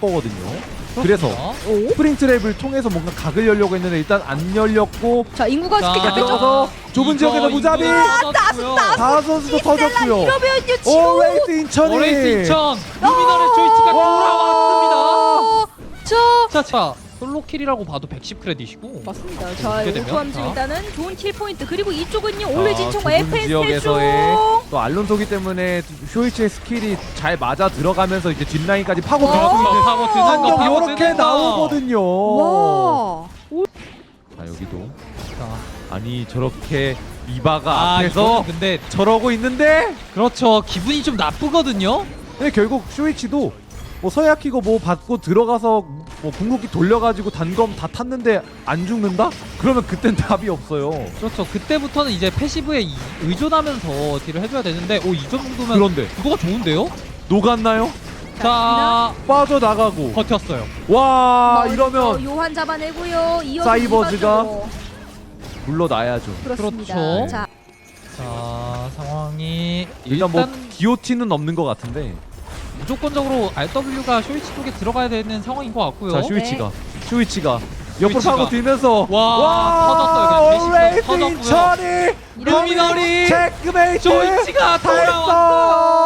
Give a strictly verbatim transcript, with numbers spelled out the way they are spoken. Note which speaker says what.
Speaker 1: 거거든요. 그래서
Speaker 2: 오?
Speaker 1: 스프링트랩을 통해서 뭔가 각을 열려고 했는데 일단 안 열렸고
Speaker 2: 자 인구가
Speaker 3: 자,
Speaker 2: 쉽게 잡혔죠.
Speaker 1: 들어가서 좁은 지역에서 무자비 다섯 선수도 터졌고요.
Speaker 2: 이러면요 지금
Speaker 1: 오 레이스 인천이
Speaker 3: 오레이스 인천 루미널의 조이치가 돌아왔습니다.
Speaker 2: 어, 자
Speaker 3: 자, 자 솔로킬이라고 봐도 백십 크레딧이고
Speaker 2: 맞습니다. 자
Speaker 3: 이렇게 되면,
Speaker 2: 오토함수
Speaker 3: 자.
Speaker 2: 일단은 좋은 킬 포인트 그리고 이쪽은요 올레 진청
Speaker 1: 좁은
Speaker 2: 에프에스
Speaker 1: 지역에서의
Speaker 2: 중
Speaker 1: 또 알론소기 때문에 쇼이치의 스킬이 잘 맞아 들어가면서 이제 뒷라인까지 파고
Speaker 2: 와.
Speaker 1: 들어갈 수 있는
Speaker 3: 파고 드는 거
Speaker 1: 한경
Speaker 3: 파고
Speaker 1: 이렇게
Speaker 3: 드는 거.
Speaker 1: 나오거든요.
Speaker 2: 와.
Speaker 1: 자 여기도
Speaker 3: 자,
Speaker 1: 아니 저렇게 이바가
Speaker 3: 아,
Speaker 1: 앞에서
Speaker 3: 이거는 근데
Speaker 1: 저러고 있는데
Speaker 3: 그렇죠. 기분이 좀 나쁘거든요.
Speaker 1: 근데 결국 쇼이치도 뭐 서야키고 뭐 받고 들어가서 뭐 궁극기 돌려가지고 단검 다 탔는데 안 죽는다? 그러면 그땐 답이 없어요.
Speaker 3: 그렇죠. 그때부터는 이제 패시브에 이- 의존하면서 딜을 해줘야 되는데 오 이 정도면
Speaker 1: 그런데
Speaker 3: 그거가 좋은데요?
Speaker 1: 녹았나요?
Speaker 3: 자
Speaker 1: 빠져나가고
Speaker 3: 버텼어요.
Speaker 1: 와
Speaker 2: 먼저
Speaker 1: 이러면
Speaker 2: 요한 잡아내고요. 이어서
Speaker 1: 사이버즈가
Speaker 2: 이바쪽으로.
Speaker 1: 물러나야죠.
Speaker 2: 그렇습니다.
Speaker 3: 그렇죠.
Speaker 2: 자
Speaker 3: 자 상황이
Speaker 1: 일단, 뭐 기오티는 없는 것 같은데
Speaker 3: 무조건적으로 알더블유가 쇼이치 쪽에 들어가야 되는 상황인 것 같고요.
Speaker 1: 자 쇼이치가 쇼이치가 옆으로
Speaker 3: 쇼이치가.
Speaker 1: 파고 들면서
Speaker 3: 와, 터졌어요. 그냥
Speaker 1: 레이스
Speaker 3: 대시가 터졌고요.
Speaker 1: 인천이
Speaker 3: 루미널이
Speaker 1: 체크메이트
Speaker 3: 쇼이치가
Speaker 1: 다
Speaker 3: 돌아왔어요.